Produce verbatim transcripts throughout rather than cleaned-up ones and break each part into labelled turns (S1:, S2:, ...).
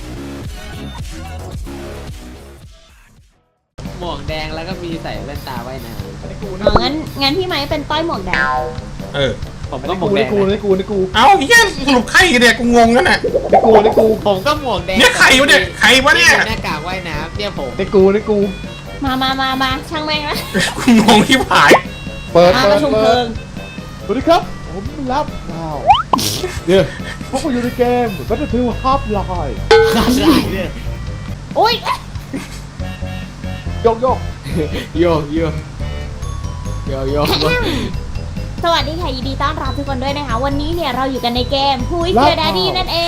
S1: หมวกแดงแล้วก็มีใส่แว่นตาว่ายน้ำ
S2: อ๋องั้นงั้นพี่ไม้เป็นต้อยหมวกแดง
S3: เออ
S1: ผมก็หมวกแดง
S4: กูนี่กูนี่กู
S3: เอ้าเฮียสรุปใครกันเนี่ยกูงงกันน่ะ
S4: นี่กูนี่กู
S1: ผมก็หมวกแดง
S3: เนี่ยใครวะเนี่ยใครวะเนี่ย
S1: หน้ากากว่ายน้ำเนี่ยผม
S4: นี่กูนี่กู
S2: มามามามาช่างแม่งละ
S3: กูงงที่ผาย
S4: เปิด
S2: มา
S4: เปิ
S2: ประ
S4: ด
S2: ชุมเพ
S4: เปิ
S2: ลิ
S4: ด
S2: ง
S4: สวัสดีครับผมรับว้าวเนี่ยพวกกูอยู่ในเกม Battlefield Half-Life
S1: ขาดลายเนี่ย
S2: โอ้ย
S4: โยกโยก
S1: โยกโยกโยกโยก
S2: สวัสดีค่ะยินดีต้อนรับทุกคนด้วยนะคะ วันนี้เนี่ยเราอยู่กันในเกม Who is Your Daddy นั่นเอง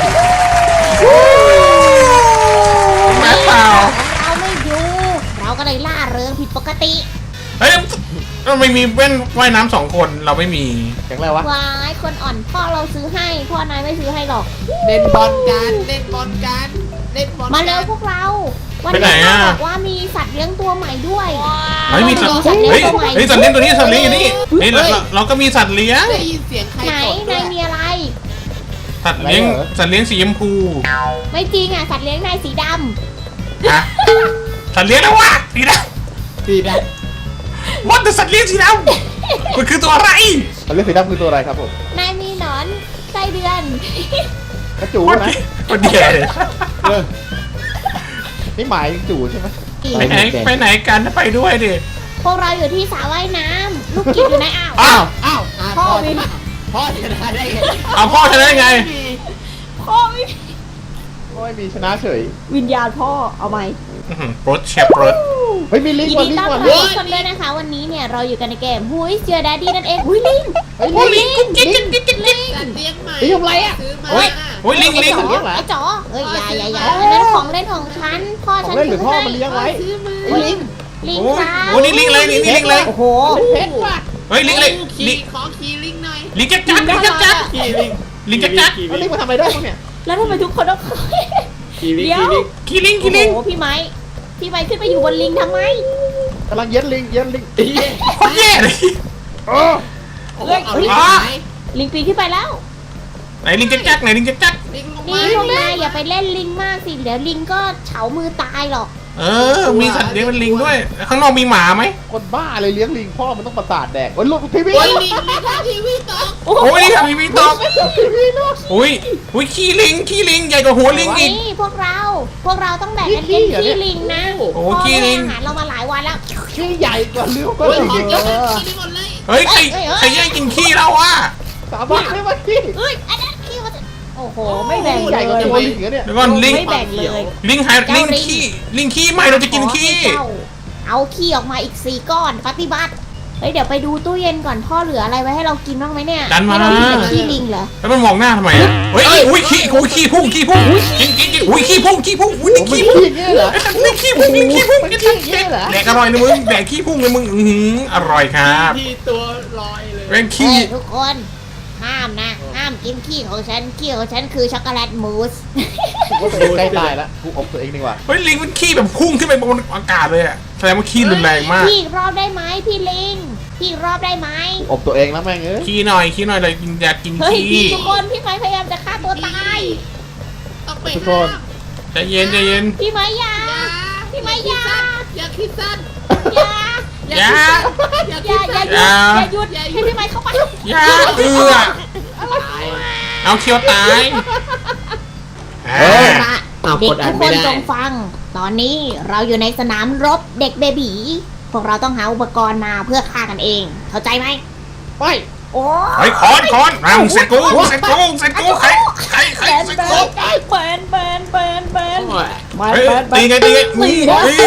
S3: แม่เปล่า
S2: เราไม่อยู่ เราก็เลยล่าเริงผิดปกติ
S3: เฮ้ยเราไม่มีแว่นว่ายน้ำสองคนเราไม่มี
S4: แข็งไรวะ
S2: วายคนอ่อนพ่อเราซื้อให้ พ่อนายไม่ซื้อให้หรอก
S1: เล่นบอลกันเล่นบอลกันเล่นบอล
S2: มาเร็วพวกเรา วัน
S3: ไปไหน
S2: นี้
S3: อะ
S2: เขาบอกว่ามีสัตว์เลี้ยงตัวใหม่ด้วย
S3: เฮ้ยมีสัตว์
S2: สัตว์เลี้ย
S3: เฮ้
S2: ง
S3: ย
S2: ตัวใหม่
S3: เฮ้ยสัตว์เลี้ยงตัวนี้สัตว์เลี้ยงอยู่นี่นี่เราเราเราก็มีสัตว์เลี้ยง
S1: ได้ยินเสียงใคร
S2: ไหน
S1: กดด้วน
S2: าย ยมีอะไร
S3: สัตว์เลี้ยงสัตว์เลี้ยงสีชมพู
S2: ไม่จริงอ่ะสัตว์เลี้ยงนายสีด
S3: อะสัตว์เลี้ยงแล้ววะสีด
S1: สีด
S3: ำวัดแต่สัตว์เลี้ยงสีดำมันคือตัวอะไร
S4: อันเรื่องสีดำคือตัวอะไรครับผม
S2: ำนายมีหนอนไส้เดือน
S4: กระจู
S3: มัน
S4: นะ
S3: มันแย่
S4: เออนี่หมายถึงจูใช่ไหม
S3: ไปไหนไปไหนกันไปด้วยดิ
S2: พวกเราอยู่ที่สระว่ายน้ำลูกกิดอยู่ในอ่าว
S3: อ้าว
S1: อ้าวอ่ะ
S2: พ่
S1: พ่
S2: อ
S1: อ
S2: วิน
S1: พ่อชนะได้ไง
S3: เอาพ่อชนะได้ไง
S2: พ่อไม่
S4: โอ้ยมีชนะเฉย
S2: วิญญาณพ่อเอาไหม
S3: รถแชร์รถ
S4: เฮ้ยมีลิง
S2: ยิ
S4: ก์
S2: น
S4: ว่ะ
S2: ดี
S4: ลิง
S2: ต้อน
S4: ก์
S2: รั
S4: ว่ะ
S2: บทุกคนด้วยนะคะ วันนี้เนี่ยเราอยู่กันในเกม Who is Your Daddy นั่นเองอุ้ยลิง
S4: เฮ้ย
S3: โอ้ยลิ
S4: ลิ
S3: ง
S4: ง
S3: กุ๊กกิ๊กกิ๊กกิ๊กกิ๊ก
S1: สัตว์เลี้ยงใหม่
S4: ลิงทำไรอะ
S1: ซื้อมา
S3: โอ้ยโอ้ยลิงลิง
S4: สัตว์เลี้ยงเหรอ
S2: ไอ้จ๋อเอ้ยอย่าอย่าอย่าอันนั้นของเล่นของฉันพ่อ
S4: ขอ
S2: ฉั
S4: ง
S2: น
S4: เล่นหรือ
S2: ซื้
S4: พ่อ
S2: ให้
S4: มันเลี้ยงไว้
S1: ซื้อมา
S4: ไอ้ลิง
S2: ลิง
S3: โอ้ย
S2: ค่ะ
S3: โอ้ยนี่ลิงเลยนี่นี่ลิงเลย
S2: โอ้โห
S4: เพชรว่ะ
S3: เฮ้ยลิงเลย
S1: ขี่
S3: ลิง
S1: ขอขี่ลิงหน่อย
S3: ลิงจักจักลิงจักจัก
S1: ขี่ลิง
S3: ลิงจักจัก
S4: แล้วลิงมาทำอะไรได้บ้างเนี่ย
S2: แล้วทำไมทุกคนต้อง
S1: ขี่ลิง
S2: เดี๋ยว
S1: ขี่ลิง
S3: ขี่ลิงขี่ลิง
S2: โอ้โหพี่ไม้พี่ไม้ขึ้นไปอยู่บนลิงทำไม
S4: กำลังเย็นลิงเย็นลิง
S1: เฮ้ย
S3: โคตรแย่เลย
S4: เออ
S1: โอ้โหเอาลิง
S3: อ่ะ
S1: ไหน
S2: ลิงปีนขึ้นไปแล้ว
S3: ไหนลิงจักจักไหนลิงจักจัก
S1: ลิงลง
S2: นี่
S1: มา
S2: พวกนายอย่าไปเล่นลิงมากสิเดี๋ยวลิงก็เฉามือตายหรอก
S3: เออมีสัตว์เลี้ยงเป็นลิงด้วยข้างนอกมีหมาไหม
S4: คนบ้าเลยเลี้ยงลิงพ่อมันต้องประสาทแดกโอ้ยลูกทีวี
S1: โอ้ยลิงลิงทำทีวีต่อ
S3: โอ้ยนี่ทำมีมีตอก
S4: ทีวีลูก
S3: อุ้ยอุ้ยขี้ลิงขี้ลิงใหญ่กว่าหัวลิงอีก
S2: นี่พวกเรา พวกเราต้องแบ่งกันกินขี้ลิงนะ
S3: โอ้โห
S2: พ่อ
S3: ขี้ลิง
S2: ให้อาหารเรามาหลายวันแล้ว
S4: ขี้ใหญ่กว่าลิ้วก็
S1: โอ้ย
S4: ลิง
S1: ขอ
S4: เอ
S1: เยอะเลย
S4: อ
S1: ขี่ลิงหมดเลย
S3: เฮ้ยใครใครแย่งกินขี้เราอ่ะ
S4: สาบานไม่ว่าขี้
S2: เอ้ยอันนั้นขี้มันจะโอ้โหไม่แบ่ง
S4: ใหญ่กว่า
S2: เล
S4: ตัวย ลิงเหรอเนี่ย
S3: เดี๋ยวก่อนลิง
S2: ไม่แบ่งเลย
S3: ลิงหายลิงขี้ลิงขี้ไม่เราจะกินขี้
S2: ขอให้เจ้าเอาขี้ออกมาอีกสี่ก้อนปฏิบัติเฮ้ยเดี๋ยวไปดูตู้เย็นก่อนพ่อเหลืออะไรไว้ให้เรากินบ้างไหมเนี่ย
S3: ดันมา
S2: ให้เรากินแต่ขี้ลิงเหรอ
S3: แล้วมันมองหน้าทำไมอ่ะเฮ้ยอุ้ยขี้อุ้ยขี้พุ่งขี้พุ่งกินกินกินอุ้ยขี้พุ่งขี้พุ่งอุ้ย
S4: โอ้
S3: นี่
S4: มัน
S3: ขี้พุ่ง
S4: ขี้อย่างเงี้ยเหรอ
S3: ไอ้สัตว์นี่ขี้พุ่งนี่ขี้พุ่ง
S4: มันขี้อย่างเงี้ยเหรอ
S3: แดกอร่อยนะมึงแดกขี้พุ่งเลยมึงอือหืออร่อยครับ
S1: ที่ตัวลอยเลย
S3: แม่ง
S2: เฮ้
S3: ขี้
S2: ยทุกคนห้ามนะห้ามกินขี้ของฉันขี้ของฉันคือช็อกโกแลตมูส
S4: กูว่าตัวเองใกล้ตายแล้วกูอบตัวเองดีกว่า
S3: เฮ้ยลิงมันขี้แบบพุ่งขึ้นไปบนอากาศเลยอ่ะแสดงว่าขี้รุนแรงมาก
S2: พี่อีกรอบได้ไหมพี่ลิงพี่อีกรอบได้ไหม
S4: กูอบตัวเองแล้วแม่งเอ้ย
S3: ขี้หน่อยขี้หน่อยเลยกินอยากกิน
S2: เฮ้ย
S3: ขี้
S2: ทุกคนพี่ไม้พยายามจะฆ่าตัวตาย
S1: ต้องไป
S4: ทุกคน
S3: ใจเย็นใจเย็น
S2: พี่ไม้อยา
S1: อย่า
S2: พี่ไม้อยา
S1: อย่าคิดสั้น
S2: อยา
S3: อย่า
S1: อย่า
S2: อ
S1: คิ
S2: ย่า
S1: ด
S2: อย่า
S1: สั้น
S2: หยุดอย่าหยุดให้พี่ไม้เข้าไป
S3: อย่าเอือเอาเคียวตาย
S4: เออ
S2: เด็กทุกคนจงฟัง ตอนนี้เราอยู่ในสนามรบเด็กเบบีพวกเราต้องหาอุปกรณ์มาเพื่อฆ่ากันเอง เข้าใจไหม
S4: ไป
S2: โอ้
S3: เฮ้ยคอนคอนมามึงเสร็จกูมึงเสร็จกูมึงเสร็จกูใครใครใคร
S2: แบน
S3: เสร็จ
S2: แบ
S3: กู
S2: นแบนแบนแบนแบน
S4: มา
S3: เฮ้ย
S4: ไปไป
S3: ตีไงตีไงอุ้ยอุ้ย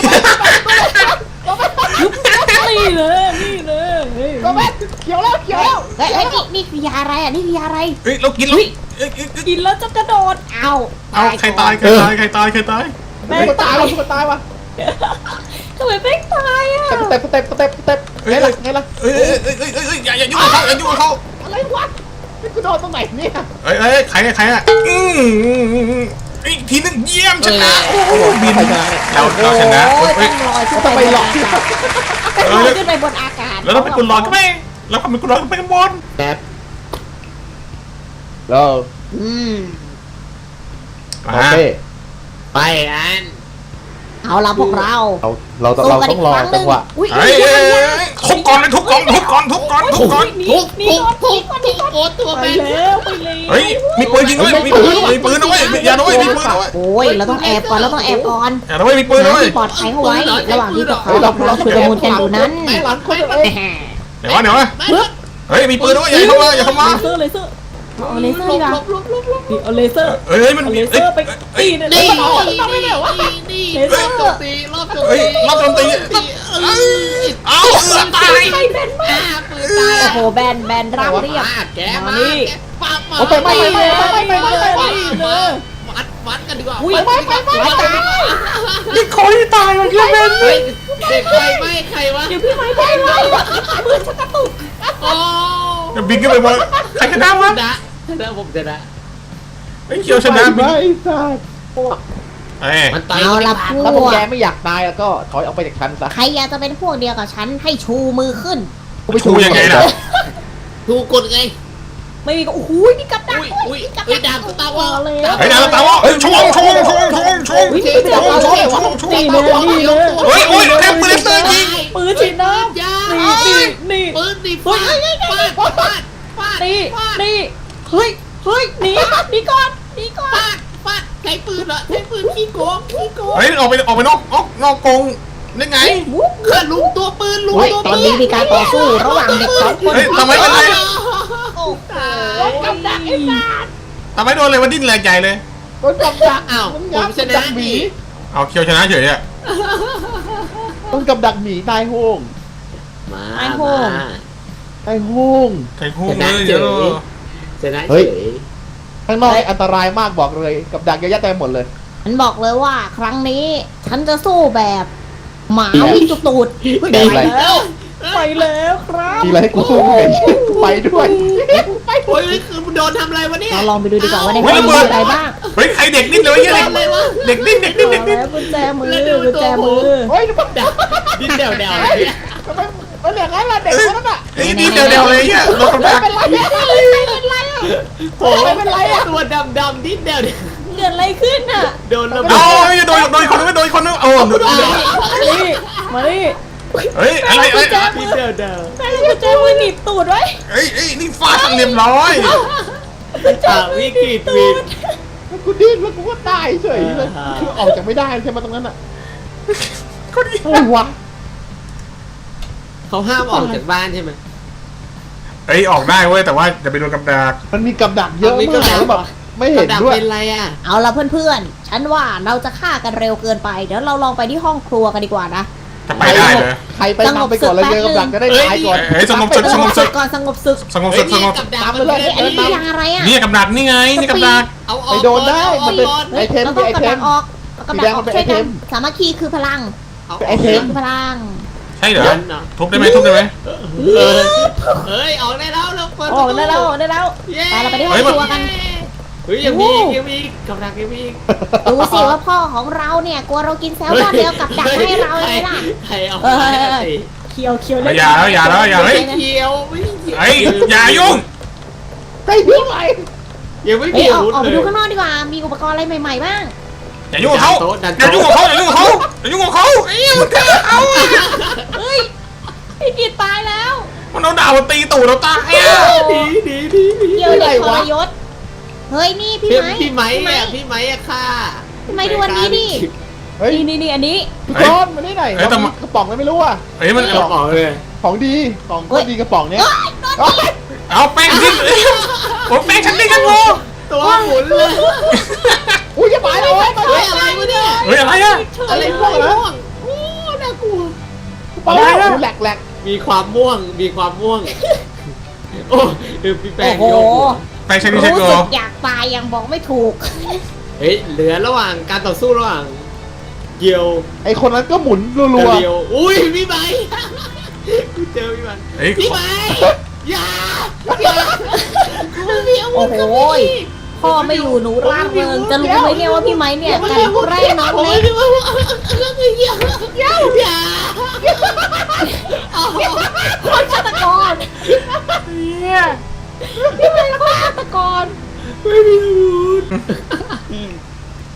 S2: นี่เลยนี่เลย
S4: ก็แม่เขียวแล้วเขียวแล้ว
S2: เฮ้ยเฮ้ยนี่นี่คือยาอะไรอ่ะนี่คือยาอะไร
S3: เฮ้ยเรากินเราเอ้ยเอ้ยเอ้ย
S2: กินแล้วจะกระโดดเอา
S3: เอาใครตายใครตายใครตายใครตาย
S2: แม่
S4: กู
S2: ตา
S4: ตาย
S2: ย
S4: ว่ะกูตายว่ะ
S2: ทำไมแม่งตายอ่ะ
S4: เต็ปเต็ปเต็ปเต็ปไงล่ะไงล่ะ
S3: เอ้ยเอ้ยเอ้ยเอ้ยเอ้ยอย่าอย่ายุ่งกับเขาอย่ายุ่งกับเขา
S4: อะไรวะนี่กูโดนตรงไหนเนี่ย
S3: เอ้ยเอ้ยใครใครอ่ะอืมอีกทีนึงเยี่ยมชนะโอ้โหบิน
S4: ใครชนะเนี่ย
S3: เราเราชนะ
S2: โอ้ย
S3: เฮ้
S2: ต้
S3: ย
S2: องลอยขึ้น
S4: ต้อง
S2: ไป
S4: ไปหลอก
S2: ต้องลอยขึ้นไปบนอากาศ
S3: แล้วเราเป็นกุลลอยก็ไม่เราเป็นกุลลอยก็ไปกันบน
S1: แบบ
S4: เรา
S2: อืม
S3: มา
S4: โอเค
S1: ไปอัน
S2: เอาละพวกเรา
S4: เราเรา
S2: สู้
S4: เรา
S2: กัน
S4: ต้
S2: อี
S4: อก งรอ
S2: ครั้งห
S4: จั
S2: นึ่
S4: ง
S2: ง
S4: หวะ
S2: อุ้ย
S3: เฮ้ยเอ้ยเอ้ยทุบก่อนเลยทุบก่อนทุบก่อนทุบก่อนทุบก่อน
S1: ทุบทุบทุบทุบทุบตัว
S2: ไป
S1: แม่
S2: แล้วไปแล้ว
S3: เฮ้ยมีปืนยิงด้วยมีปืนมีปืนด้วยอย่าด้วยมีปืนด้วย
S2: โอ้ยเราต้องแอบก่อนเราต้องแอบก่อน
S3: อย่าด้วยมีปืน
S2: หา
S3: ด้วย
S2: ที่ปลอดภัยเข้าไว้ ระหว่างที่พวกเขากำลังชุลมุนกันอยู่นั้น
S4: แม่หลานคนเอ้ย
S3: เดี๋ยววะเดี๋ยววะเฮ้ยมีปืนด้วยอย่าเข้ามาอย่าเข้ามา
S5: เลเซอร์เลเซอร์
S2: เอาเลเซอร์ดีกว่า
S5: นี่เอาเลเซอร์
S3: เฮ้ยมัน
S5: เอา
S3: เฮ้
S5: เลย เซอร์ไปตีเนี่ย
S1: นี่
S5: มันเอา
S1: นี่นี่นี่
S5: เลเซอร์
S1: โจมตีรอบโจม
S3: เฮ้ย
S1: ตี
S3: รอบโจมตี
S1: เอ้ย
S3: เอาเอือตาย
S1: อ่าปืนตาย
S2: โอ้โหแบนแบนราบเรียบ
S1: มาแกมาแกปั๊บมา
S4: โอ้ไปไปไปไปไปไปไปไป
S1: มาวัดวัดกันดีกว่า
S2: อุ้ย
S1: วัดกันดีกว่า
S2: ไปตาย
S3: นี่คอยตายมันเยอะเป็น
S1: เฮ้ยเด็กใครไม่ใครวะ
S2: เดี๋ยวพี่ไม้ไปไว้มือฉันกระตุก
S1: โอ้
S3: บินขึ้นไปบนใครชนะวะ
S1: ชนะชนะผมชนะ
S3: ไอ้เขียวชนะบิน
S4: ไม่สัตว์
S3: เอ้ย
S1: มันตาย
S2: เอาละพ
S4: ถ้าพวก
S2: วก
S4: แกไม่อยากตายแล้วก็ถอยออกไปจากฉันซะ
S2: ใครอยากจะเป็นพวกเดียวกับฉันให้ชูมือขึ้น
S3: ชูยังไงล่ะ
S1: ถูกกดไง
S5: ไม่มีก็โอ้โห
S2: อุ้ยมีกับดัก
S1: อุ้ย
S2: ด้วย
S1: อุ้ย
S2: มีกับ
S1: อุ้ย
S2: ดัก
S1: ดาบสตาร์วอล
S3: ไอ้ดาวตาวะเฮ้ยชงชงชงชงชงชงชงชงชงชง
S5: นี่เลยนี่เลย
S3: เฮ้ยโอ้ยเต็มปืนเตอร์ยิง
S5: ปืนฉีดน้ำ
S1: ยา
S5: นี่นี่นี่
S1: ปืนดิฟาดฟาดฟาดฟาด
S5: นี่
S1: ฟาด
S5: นี่เฮ้ยเฮ้ยหนีหนีก่อนหนีก่อน
S1: ฟาดฟาดใช้ปืนเหรอใช้ปืนขี้โกงขี้โกง
S3: เฮ้ยออกไปออกไปนอกนอกนอกกงได้ไง
S1: ข้าลุงตัวปืนลุง
S2: เฮ้ย
S1: ตัว
S2: ต
S1: ปื
S2: อนนี้มีการต่อสู้ระหว่างเด็กสองคน
S3: เฮ้ยทำไมเป็นไร
S2: โอ้โห
S1: กับดักไอ้สัตว์
S3: ทำไมโดนอะไรมาดิ้นแรงใหญ่เลย
S4: ต้นกับดัก
S1: อ้าว
S4: ต้น
S1: ผ
S4: ยั
S1: ม
S4: กษ์
S1: ช
S4: ดั
S1: นะ
S4: กหมี
S1: นี่
S3: เอาเคียวชนะเฉยอ่ะ
S4: ต้นกับดักหมีนายโฮง
S1: มา
S2: ไอ้โหง
S4: นายโฮง
S3: ใครคู่เลยเยอะ
S1: ชนะ
S4: เฮ้
S1: เฉ
S4: ย
S1: ย
S4: ข้างนอกนี่อันตรายมากบอกเลยกับดักเยอะแยะเต็มหมดเลย
S2: ฉันบอกเลยว่าครั้งนี้ฉันจะสู้แบบหมาวิ่งจุกตูด
S4: แดงอะไร
S5: แล้วไปแล้วครับ
S4: ทีไรให้กูสู้ไม่เห็นกูไปด้วย
S1: โอ้ยคือโดนทำอะไรวะเนี่ย
S2: เราลองไปดูดีกว่าว่าในห้องมีอะไรบ้าง
S3: เฮ้ยใครเด็กดิ้นเลยวะเยอะ
S1: โดนอะไรวะ
S3: เด็กดิ้นเด็กดิ้นเด็กดิ้น
S5: แล้วกุญแจมือกุญแจมือ
S4: เฮ้ยทำไม
S1: ดิ้นเดวเดว
S4: ทำไมมันอย่างนั้นล่ะเด็กคนนั้นอ่ะ
S3: ไอ้ดิ้นเดียวๆเลยเนี่ยรถกระบะ
S4: เป็นไรเนี่ยเป็นไรอ่ะ
S1: โอ้ยเป็นไรอะตัวดำดำดิ้นเดวเดว
S5: เกิดอะไรขึ้นอ่ะ
S1: โดนระเบิ
S3: เอา
S1: ด
S3: โดนโดนคนนึงโดนคนนึงโอ้
S5: นี่มาดิ
S3: เฮ้ยอะไรเอ้ย
S1: ดิ้นเดวเดว
S5: แม่กุญแจมือหนีบตูดไว้
S3: เฮ้ยเฮ้ยนี่ฟาดเรียบร้อย
S1: อ่ะวิกฤตวิก
S4: แล้วกูดิ้นแล้วกูก็ตายเฉยเลยคือออกจากไม่ได้ใช่ไหมตรงนั้นอ่ะ
S3: คนนี้
S4: อะไรวะ
S1: เขาห้ามออกจากบ้านใช่ไหม
S3: เฮ้ยออกได้เว้ยแต่ว่าจะไปโดนกับดัก
S4: มันมีกับดักเยอะมากแล้วแบบไม่เห็น
S1: ดัก
S4: ด้วย
S1: เป็นไรอ่ะ
S2: เอาละเพื่อนๆ ฉันว่าเราจะฆ่ากันเร็วเกินไป เดี๋ยวเราลองไปที่ห้องครัวกันดีกว่านะ
S3: จะไปได้เลย
S4: ใครไปนำไปก่อนเลยเจอกับดักจะได้ตายก่อน
S3: เฮ้ยสงบศึก
S2: ส
S3: ส
S2: ง
S3: ง
S2: บบ ศึ
S3: ศึ
S2: ก
S3: ก
S2: ก่อนสงบศึก
S3: สงบศึกสงบ
S1: กับดัก
S4: ตาม
S1: มัน
S4: ไปเลย
S2: เฮ้ยอันนี้ยาอะไรอ่ะ
S3: นี่กับดักนี่ไงนี่กับดัก
S1: เอาออก
S4: ไปโดนได้มันเป็น
S2: เฮ้ยเราต้องกำดักออกกำดักออกช่วยกันสามัคคีคือพลัง
S4: ไอเทม
S2: คือพลัง
S3: ใช่เหรอทุบได้ไหมทุบได้ไหม
S1: เฮ้ยออกได้แล้วเราเปิด
S5: ออกได้แล้วออกได้แล้ว
S2: ไปเราไปที่ห้องครัวกัน
S1: เฮ้ยยังมียังมีกับดักยังมี
S2: ดูสิว่าพ่อของเราเนี่ยกลัวเรากินแซลมอนเดียวกับดักให้เราเลยล่ะ
S1: ใครเอา
S5: เออเคียวเคียวเล่น
S3: อย่าแล้วอย่าแล้วอย่า
S1: ไม่
S3: เฮ้ย
S1: เกี่ยวไม่เกี่ยว
S3: ไอ้อย่ายุ่ง
S4: ไอ้พี่ใหม่
S1: ยังไม่
S2: เฮ้ย
S1: เกี่ยว
S2: ออกออกไป
S1: เล
S2: ดู
S1: ย
S2: ข้างนอกดีกว่า มีอุปกรณ์อะไรใหม่ๆบ้าง
S3: อย่ายุ่งกับเขาอย่ายุ่งกับเขาอย่ายุ่งกับเขาอย่ายุ่งกับเขาไอ้มันฆ่าเขา
S5: เฮ้ยพี่กีดตายแล้ว
S3: มันเอาดาบมาตีตูดเราตายอ่ะ
S1: ดีดีดีดี
S2: เกี่ยวเด็กทรยศ เฮ้ยนี่พี่
S1: พี่
S2: ไม้
S1: พี่ไม้อะพี่ไม้อะค่ะ
S2: พี่ไม้ดูอันนี้ดิ
S4: เฮ้ย
S5: นี่นี่นี่อันนี้
S4: พี่ก้อนมาได้ไหนกระป๋องนั้นไม่รู้อ่ะ
S3: เฮ้ยมัน
S1: เอาออกเลย
S4: ของดีของก็ดีกระป๋องเนี้ย
S3: เอาแป้งทิ้งผมแป้งฉันดิ้นกันงู
S1: ตัวหมุนเลย
S4: อุ้ยจะไปเลยไปเล
S1: เฮ้ย
S4: ย
S1: อะไรวะเนี่ย
S3: เฮ้ยอะไรอ่ะ
S1: อะไรม่วงม่วงโอ้น่ากลัว
S4: ไปเลยแหลกแหลก
S1: มีความม่วงมีความม่วงโอ้เออพี่แป้
S2: โอ้
S1: ง
S2: โห
S1: โยก
S3: แป้งใช้ดิใช้
S2: รู้
S3: โก
S2: สึกอยากตายยังบอกไม่ถูก
S1: เฮ้ยเหลือระหว่างการต่อสู้ระหว่างเกียว
S4: ไอคนนั้นก็หมุนรั
S1: กับ
S4: ว
S1: เดียวอุ้ยพี่ไม้เจอพี่ไม้
S3: เฮ้ย
S1: พี่ไม้อย่าอย่ามันมีอาวุ
S2: โอ้
S1: ธ
S2: โหพ่อไม่อยู่หนูร่าเริงจะรู้ไหมเนี่ยว่าพี่ไม้เนี่ยกันแกล้งน้องเล็ก
S1: อย่าอย่าอย่า
S2: คนฆาตกรพี่ไม้ฆาตกร
S1: ไม่มีอาวุธ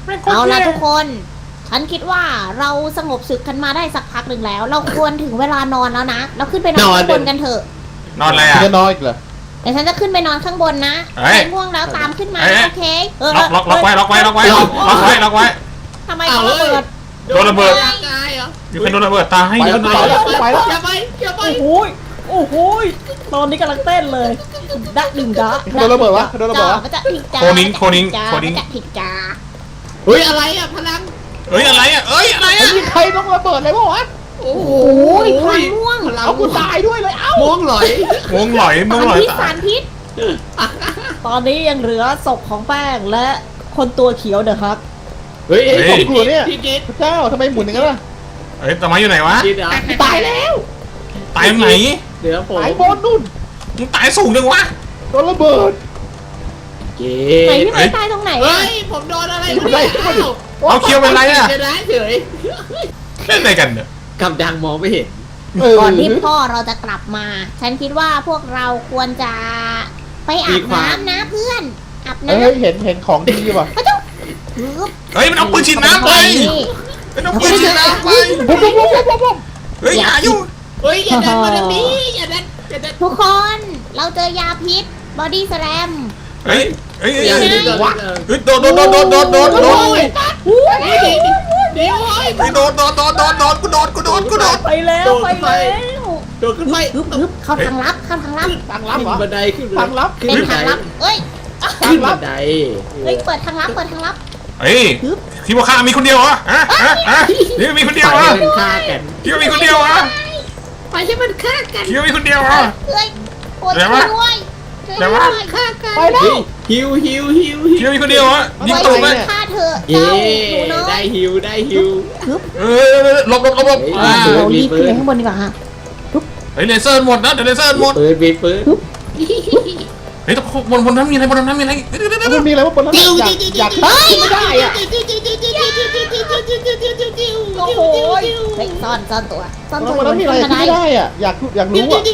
S2: เอาล่ะทุกคน ฉันคิดว่าเราสงบศึกกันมาได้สักพักหนึ่งแล้ว เราควรถึงเวลานอนแล้วนะ เราขึ้นไปนอนข้างบนกันเถอะ
S3: นอนอะไร
S4: คุณ
S3: อ่ะ
S4: จะนอนอีกเหรอ
S2: เดี๋ยวฉันจะขึ้นไปนอนข้างบนนะ
S3: เอ้ย
S2: ใครง่วงแล้วตามขึ้นมา
S3: เอ้ย
S2: โอเคเออ
S3: ล็อกล็อกล็อกไว้ล็อกไว้ล็อกไว้ล็อกล็อกไว้ล็อกไว้
S2: ทำไมเขาระเบิด
S3: โดนระเบิด
S1: ร่างกายเหรอ
S3: อยู่ใครโดนระเบิดตาย
S4: ไป
S3: เย
S4: แล้
S3: อะ
S4: ว
S3: หน่อย
S4: ไปแล้วไปแล้ว
S1: อย่าไปอย่าไป
S5: โอ้โหยโอ้โหยตอนนี้กำลังเต้นเลยดะดึงดะ
S4: โดนระเบิดวะโดนระเบิดวะ
S2: มันจะผิดจ้า
S3: โคนิ้งโคนิ้งโคนิ้ง
S2: มันจะผิดจ้า
S1: เฮ้ยอะไรอ่ะพลัง
S3: เอ้ยอะไรอ่ะเอ้ยอะไร
S4: ไอ้
S3: อ่ะ
S4: นี่ใครต้องระเบิดเลยปะวะ
S1: โอ้โห
S2: โอ้ยพลังม่วง
S1: พลัง
S4: เอากูตายด้วยเลยเอ้า
S1: ม่วงหลอย
S3: งงหลอยง
S2: สาง ร
S3: หลอย
S2: พิษ
S3: ตา
S2: สาย รพิษ
S5: ตอนนี้ยังเหลือศพของแป้งและคนตัวเขียวเด้อครับ
S1: เฮ้ย
S4: ผมกลัวเนี่ย
S1: พี่กิด
S4: พระเจ้าทำไมหมุนอย่างนั้นล่ะ
S3: เอ้ยตะไม้อยู่ไหนวะ
S1: กิดเหรอ
S4: ตายแล้ว
S3: ตายไหน
S1: เดี๋ยวผม
S4: ตายบนนู่น
S3: มึงตายสูงจังวะ
S4: โดนระเบิด
S1: เกิ
S2: ไหน
S1: ด
S2: พี่ไม้ตายตรงไหน
S1: เฮ้
S2: อะ
S1: ยผมโดนอะไร
S4: อยู่ไหน
S3: เอาเคียวเป็นไรอ่ะ
S1: จะได้เฉย
S3: เล่นอะไรกันเนี่ย
S1: กับดังมองไม่เห็น
S4: เออ
S2: ก่อนที่พ่อเราจะกลับมา ฉันคิดว่าพวกเราควรจะไปอาบน้ำนะเพื่อนอาบ
S4: เอ้
S2: น้ำ
S4: ยเห็นเห็นของดีป่ะ
S2: พระเจ้าปึ๊บ
S3: เฮ้ยมันเอาปืนฉีดน้ำไป
S2: นี่
S3: มันเอาปืนฉีดน้ำไป
S4: ปุ๊บปุ๊บปุ๊บปุ๊บปุ๊บ
S3: เฮ้ยอย่ายุ่ง
S1: เฮ้ยอย่าดันมาทางนี้อย่าดันอย่าดัน
S2: ทุกคนเราเจอยาพิษบอดี้สแลม
S3: เฮ้ยเฮ้ย
S1: อย่า
S3: เฮ้ย
S1: ดันอย่าดัน
S3: เฮ้ยโดนโดนโดนโดนโดนโดนโดน
S1: เฮ้ยเดี๋ยวเดี๋ยวเฮ้ย
S3: เฮ้ยโดนโดนโดนโดนโดนกูโดนกูโดนกูโดน
S5: ไปแล้วไปแล้ว
S1: โดดขึ้นไป
S2: ฮึบฮึบเข้าทางลับเข้าทางลับ
S4: ทางลับ
S1: ขึ้น
S4: เหรอ
S1: บันไดขึ้น
S4: ทางลับ
S1: ขึ้น
S2: เป็น
S1: บัน
S2: ทาง
S1: ได
S2: ลับเอ้ย
S1: ขึ้นบันได
S2: เฮ้ยเปิดทางลับเปิดทางลับ
S3: เฮ้ยที่ว่าข้ามีคนเดียวเหรอฮะฮะฮะที่ว่ามีคนเดียว
S1: ไป
S3: เหรอ
S1: ให้มันฆ่ากัน
S3: ที่ว่ามีคนเดียวเหรอ
S1: ไปให้มันฆ่ากัน
S3: ที่ว่ามีคนเดียวเหรอ
S2: เอ้ยปวด
S3: เดี๋ยว
S2: ช่ว
S3: วะ
S2: ยด้วยช่วย
S3: เดี๋ยว
S2: ด้
S3: วะ
S2: วยฆ่ากัน
S4: ไปแล้ว
S1: เฮ้ยฮิวฮิวฮิวฮิ
S3: ที่
S1: ว
S3: ว่ามีคนเดียวเหรอยิงตูดไหม
S2: ฆ่าเธอ
S1: เย้
S2: เจ้าหนูน้อ
S1: ได้
S2: ย
S1: ฮิวได้ฮิว
S3: เออหลบหลบหลบหลบ
S1: อ่า
S2: เรารีบขึ้นไปข้างบนดีกว่าฮะ
S3: เฮ้ยเลเซอร์หมดนะเดี๋ยวเลเซอร์หมด
S1: ปืนมีปืน
S3: เฮ้ยแต่บนบนน้ำมีอะไรบนน้ำมีอะไรเดี๋ยวเดี๋ยวเดี๋ยว
S4: มันมีอะไรวะบนนั้นอยากอยากขึ้นไม่ได้อ่ะ
S2: โอ้โหเฮ้ยซ่อนซ่อนตัวซ่อน
S4: บ
S2: ตัวน
S4: นั้นมีอะไร
S2: ขึ้
S4: ขึ้นไม่ได้อ่ะอยากอยากรู้อ่ะ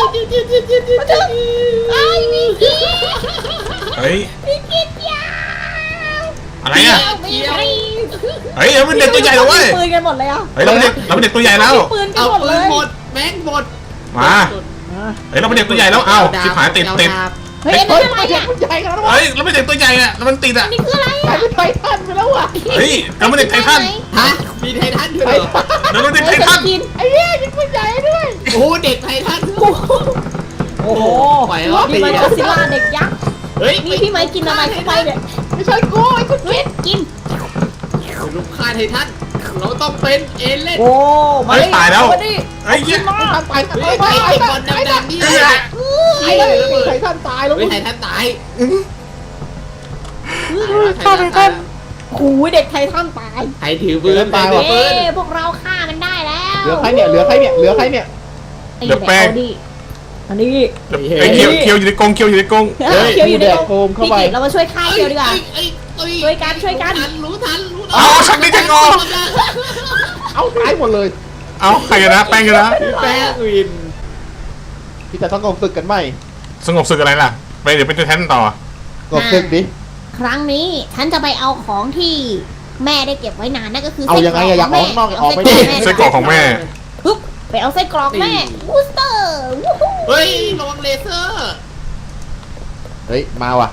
S2: ไอ้มีกี้
S3: เฮ้ย
S2: มีกี้ยาว
S3: อะไรอ่ะ
S2: มีกี้
S3: เฮ้ยเราเป็นเด็กตัวใหญ่แล้วเว้ย
S5: ปืนกันหมดเลยอ่ะ
S3: เฮ้ยเราเป็นเด็กเราเป็นเด็กตัวใหญ่แล้ว
S5: ปืนกัน
S1: เอา
S5: หมด
S1: ปื
S5: เล
S1: น
S5: ย
S1: หมดแม็กหมด
S3: มาเฮ้ยเราเป็นเด็กตัวใหญ่แล้วเอ้าชิบหายติดติด
S2: เฮ้ยอัน
S4: เฮ้
S2: นี้
S4: ย
S2: อะไร
S4: มัน
S2: เนี่ย
S4: ใหญ่ขนาดนั้นวะ
S3: เฮ้ยเราเป็นเด็กตัวใหญ่อะแล้วมันติดอะ
S2: นี่คืออะไร
S4: กลายเป็นไททันไปแล้วอ่ะ
S3: เฮ้ยเราเป็นเด็กไททัน
S1: ฮะมีไททันด้วย
S4: ไท
S1: เหรอ
S4: ทัน
S3: เราเป็นเด็กไท
S2: เฮ้ย
S3: ทัน
S2: กิน
S4: ไอ้เหี้ยยิงปืนใหญ่ด้วย
S1: โอ้โหเด็กไททัน
S5: โอ้โห
S1: ปล่อยรอบ
S5: นี่
S1: ตี
S5: มัน
S1: อะ
S5: ก็อดซิลล่าเด็กยักษ์
S1: เฮ้ย
S2: นี่พี่ไม้กินอะไรเข้าไปเนี่ย
S4: ไม่ใช่กูไอ้คุณ
S2: เฮ้ยกิน
S1: ลูกฆ่าไททันเราต้องเป็นเอเล่น
S5: โอ้
S3: เฮ้ยตายแล้ว
S5: มาดิ
S3: เฮ้ยเหี้ย
S4: ไททันตายไท
S1: เฮ้ย
S4: ทัน
S1: ไอ้
S4: ตาย
S1: ไอ้บอลดำๆนี่
S3: เฮ้ย
S1: ไอ้
S4: ไททันตายแล้ว
S1: เฮ้ยไททันตาย
S3: ฆ่าไททัน
S5: โอ้ยเด็กไททันตาย
S1: ไทถือปืนไทถือ
S2: เอ้
S1: ปืน
S2: พวกเราฆ่ามันได้แล้ว
S4: เหลือใครเนี่ยเหลือใครเนี่ยเหลือใครเนี่ย
S3: เหลือแป้ง
S5: าดิอันนี้
S3: ไอ้เคียวเคียวอยู่ในกรงเคียวอยู่ในกรง
S5: เฮ้ยเคียวอยู่ใน
S4: แด
S5: ก
S4: ก
S5: รง
S4: โฟมเข้า
S2: พี่
S4: ไป
S2: กิจเรามาช่วยฆ่าเกียวดีกว่า ช่วยกันช่วยกัน
S1: รู้ทันรู้ทัน
S3: เอาชักนี้จะงอ
S4: เอาตายหมดเลย
S3: เอาใครกันนะแป้งกันนะ
S1: แป้งวิน
S4: พี่จะต้องกบศึกกันไหม
S3: สงบศึกอะไรล่ะไปเดี๋ยวเป็นตัวแทนต่อก
S4: บศึกดิ
S2: ครั้งนี้ฉันจะไปเอาของที่แม่ได้เก็บไว้นานนั่นก็คือ
S4: เอายังไงอะอยากออกข้างนอกอยากออกไปดิ
S3: ไส้กรอกของแม่
S2: ปึ๊บไปเอาไส้กรอกแม่บูสเตอร์วู้ฮู้
S1: เฮ้ยระวังเลเซอร์
S4: เฮ้ยมาว่ะ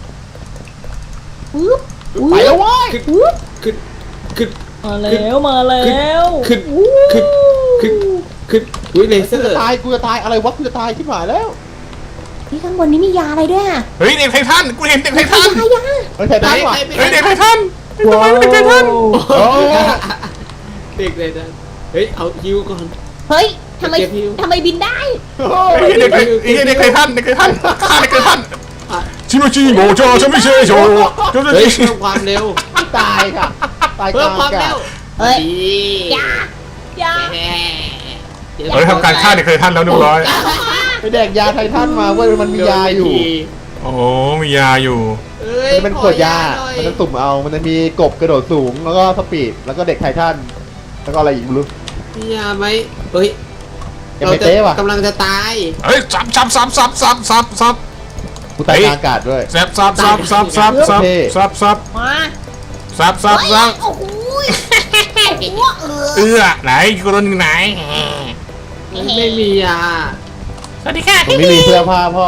S2: ปึ๊บ
S4: ไปแล้วเว้ย
S2: ปึ๊บ
S1: ขึ้นขึ้น
S5: มาแล้วมาแล้ว
S1: ขึ้นขึ้นขึ้นขึ้นอุ้ยเลเซ
S4: กู
S1: อ
S4: จะ
S1: ร์
S4: ตายกูจะตายอะไรวะกูจะตายที่หมายแล้ว
S2: นี่ข้างบนนี้มียาอะไรด้วยอะ
S3: เฮ้ยเด็กไททันกูเห็นเด็กไท
S2: ยา
S3: ทัน
S2: ยา
S4: เฮ้ยไททันว่ะ
S3: เฮ้ยเด็กไททันทำไมเป็นเด็กไททัน
S4: โอ้
S1: เด็กเลยนะเฮ้ยเอาฮิวก่อน
S2: เฮ้ยทำไม
S1: เก็บฮิว
S2: ทำไมบินได้
S3: ไอ้เด็กไอ้เด็กไททันเด็กไททันฆ่าเด็กไททันชิโมจิโงโจฉันไม่ใช่โจโจ
S1: เฮ้ย
S3: จิ
S1: เพิ่มความเร็ว
S4: ตายค่ะตายก
S1: เพิ่
S4: ลาม ง
S1: ความ
S4: อากา
S1: เร็
S4: ศ
S1: ว
S2: เฮ้ย
S1: ดี
S2: ยา
S5: ยา
S1: แหม
S3: เฮ้ยทำการฆ่าเด็กไททันแล้วเรียบร้อย
S4: ไปแดกยาไททันมาเว้ยมันมียาอยู่
S3: โอ้มียาอยู่
S1: เอ้ย
S4: มันเป็นขวดยา
S1: ขอหน่อ
S4: มันจะสุ่มเอา มันจะมีกบกระโดดสูง แล้วก็สปีด แล้วก็เด็กไททัน แล้วก็อะไรอีกไม่รู้
S1: มียาไหมเฮ้ย
S4: ยังไม่เต้ว่ะ
S1: กำลังจะตาย
S3: เฮ้ยซับซับซับซับซับซับซับ
S4: กูตายกลางอากาศด้วย
S3: ซับซับซับซับซับซับซับซับ
S5: มา
S3: ซับซับซับ
S2: โอ้โหโอ้โหเออ
S3: เอื้อไหนกูโดนอยู่ไหน
S1: ไม่มีอ่ะ
S3: สวัสดีค่ะ
S4: ผมไม่มีเสื้อผ้าพ่อ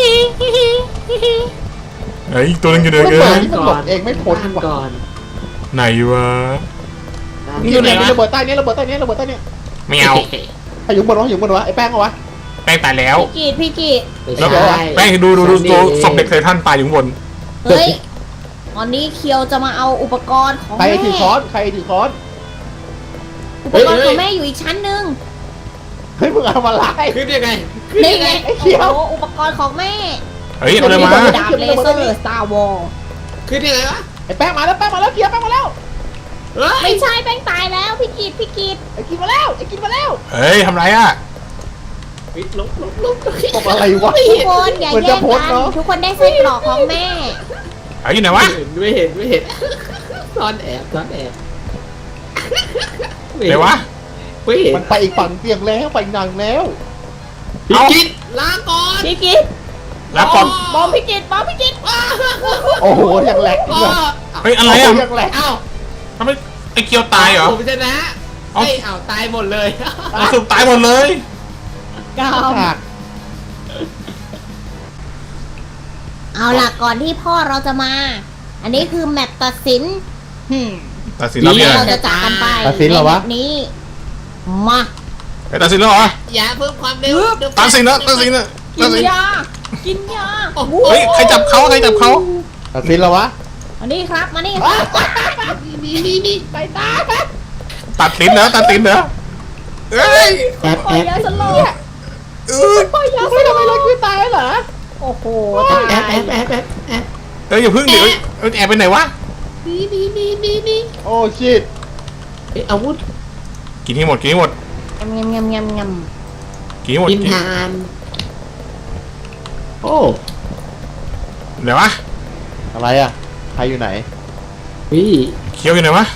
S3: ไอ้ยตัวนึงอยู่ไหน
S4: ระ
S3: กั
S4: เบิด
S3: น
S4: นี่มันหลบเองไม่พ้น
S1: นั่ง
S4: ว่ะ
S1: ก่อน
S3: ไหนวะ
S1: นั่ง
S3: นี่อยู่ไหนวะ
S4: ระเบิดใต้นี้ระเบิดใต้นี้ระเบิดใต้นี้
S3: ไม่เอา
S4: ใครอยู่บนวะอยู่บนวะไอ้แป้งเอาวะ
S3: แป้งตายแล้ว
S5: พี่กีดพี่กีด
S1: ไม่
S3: แล้ว
S1: ใช่
S3: แป้งดูดูดูตัวศพเด็กไททันตายอยู่ข้างบน
S5: เฮ้ยตอนนี้เคียวจะมาเอาอุปกรณ์ของ
S4: ใคร
S5: แม่
S4: ถือค้อนใครถือค้อน
S5: อุปกรณ์ของแม่อยู่อีกชั้นหนึ่ง
S4: เฮ้ยมึงเอามาไล่
S1: ขึ้นยังไงขึ้น
S5: นี่
S1: ยัง
S5: ไง
S1: ไง
S4: ไอ้เขียว
S5: โอ้โหอุปกรณ์ของแม่
S3: เฮ้ยเอาเลยมา
S5: ดาบเลเซอร์สตาร์วอล
S1: ขึ้นยังไงวะ
S4: ไอ้แป้งมาแล้วแป้งมาแล้วเกียร์แป้งมาแล้ว
S1: เฮ้ย
S5: ไม่ใช่แป้งตายแล้วพี่กีดพี่กีด
S4: ไอ้กินมาแล้วไอ้กินมาแล้ว
S3: เฮ้ยทำไรอ่ะ
S1: ลบลบลบ
S4: ตกอะไรวะ
S5: ทุกคนอย่า
S4: เหมือน
S5: แย่
S4: จะ
S5: ง
S4: พ้น
S5: กัน
S4: เนอะ
S5: ทุกคนได้ไส้กรอกของแม่
S3: เฮ้ยอยู่ไหนวะ
S1: ไม่เห็นไม่เห็นซ่อนแอบซ่อนแอบ
S3: ไหนวะ
S1: ไม่เห็น
S4: มันไปอีกฝั่งเตียงแล้วไปอีกหนังแล้ว
S1: พี่กินลาก่อน
S5: พี่กีด
S3: แล้วก่อน
S5: บอมพี่กีดบอมพี่กีด
S4: โอ้โหยังแหลก
S1: อ๋
S4: อี
S1: อก
S4: อะ
S3: เฮ้ยอะไร
S4: โอ้
S3: อ่ะ
S4: โหยังแหลก
S1: เอ้า
S3: ทำไมไอ้เกียวตายเหรอ
S1: ผมชนะ
S3: เอ้า
S1: ไอ้เอ้าตายหมดเลย
S3: เอาสุดตายหมดเลย
S5: กาม
S4: ฉาก
S2: เอาล่ะก่อนที่พ่อเราจะมา อันนี้คือแมปตัดสินหืม
S3: ตัดสินแล้ว
S2: ที่
S3: เนี่ย
S2: เราจะจากกันไป
S4: ตัดสินเหรอวะ
S2: ในแมปนี้มา
S3: ไอ้ตัดสินแล้วเหรอ
S1: อย่าเพิ่มความเร็วเดี๋ยว
S3: ตัดสินแล้วตัดสินแล้ว
S5: กิ
S3: ตัด
S5: น
S3: สิน
S5: ยากินยา
S3: เฮ้ยใครจับเขาใครจับเขา
S4: ตัดสินแล้ววะ
S5: มานี่ครับมานี่ครับ
S1: นี่นี่นี่ไปตา
S3: ตัดสินเหรอตัดสินเหรอเอ้ย
S1: แอบ
S5: ปล่
S1: แอ
S5: อย
S1: บ
S5: ยาสลบ
S3: เอ้ย
S5: ปล่อยยาส
S4: ไม่
S5: ล
S4: ทำไม
S5: บ
S4: เราคือตายเหรอ
S5: โอ้โห
S1: แอ
S5: ตา
S1: บแอย บแอบแอบแอบ
S3: เอ้ยอย่าพึ่งเดี๋ยวเอ้ยแอบไปไหนวะ
S1: นี่นี่นี่นี่นี่
S4: โอ้ชิต
S1: เอ้ยอาวุธ
S3: กินให้หมดกินให้หมด
S2: ยำยำยำยำย
S3: กินให้หมด
S1: กิน
S3: กิน
S1: ทานโอ้
S3: ไหนวะ
S4: อะไรอ่ะใครอยู่ไหน
S1: พี่
S3: เคี้ยวอยู่ไหนวะ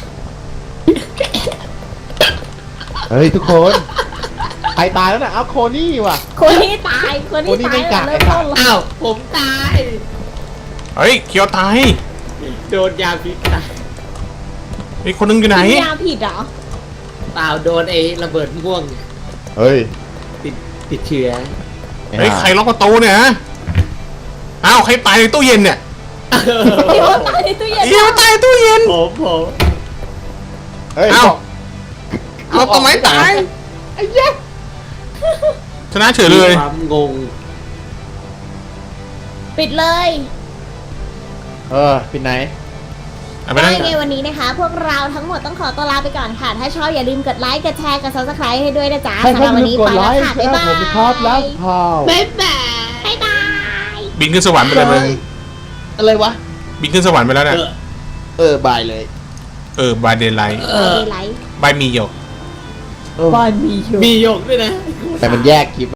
S4: เฮ้ยทุกคน ใครตายแล้วน่ะเอาโคนี่ว่ะ
S5: คนนี้ตายคนนี้
S4: คนนี้
S5: ตา
S4: ไม่
S5: ย
S4: กะ
S5: เริ่มต้นแล้ว
S1: อ้าวผมตาย
S3: เฮ้ยเคี้ยวตาย
S1: โดนยาพิษตาย
S3: ไอ้คนนึงอยู่ไหน
S5: กินยาผิดเหรอ
S1: เปล่าโดนไอ้ระเบิดม่วง
S4: เฮ้ย
S1: ติดติดเชื้อ
S3: เฮ้ยใครล็อกประตูเนี่ยฮะอ้าวใครตายในตู้เย็นเนี่ย
S5: พี่ว่าตายในตู้เย็น
S3: เคี้ยวตายในตู้เย็น
S1: ผมผม
S4: เฮ้ย
S3: เอ้า
S4: บอก
S3: เอาต้นไม้ตาย
S4: ไอ้เหี้ย
S3: ชนะเฉยเลย
S1: มีความงง
S5: ปิดเลย
S4: เออปิดไหน
S3: เอาไป
S2: ำ
S3: นั่
S2: ได้
S3: ง
S2: ไงวันนี้นะคะ พวกเราทั้งหมดต้องขอตัวลาไปก่อนค่ะ ถ้าชอบอย่าลืมกดไลค์ กดแชร์ กด ซับสไครต์ให้ด้วยนะจ๊ะ
S4: ให้
S2: สำห
S4: ท่า
S2: รั
S4: น
S2: บวัน
S4: ลืม
S2: นี้
S4: ก
S2: ไป
S4: ดไล
S2: แล้ว
S4: ค์
S2: ค่ะ
S4: แช
S2: บ๊าย
S4: ร์
S2: บา
S4: ผม
S2: ย
S4: ครับแล้วข่าว
S1: บ๊ายบาย
S2: บ๊ายบาย
S3: บินขึ้นสวรรค์ไปเลยมึง
S4: อะไรวะ
S3: บินขึ้นสวรรค์ไปแล้วเนี่ย
S4: เออบายเลย
S3: เออบายเดย์ไลท์
S1: เออ
S2: ไลค์
S3: บายมีโย
S4: เออ
S5: บ้านมีอยู่
S1: มีหยกด้วยนะ
S4: แต่มันแยกคลิป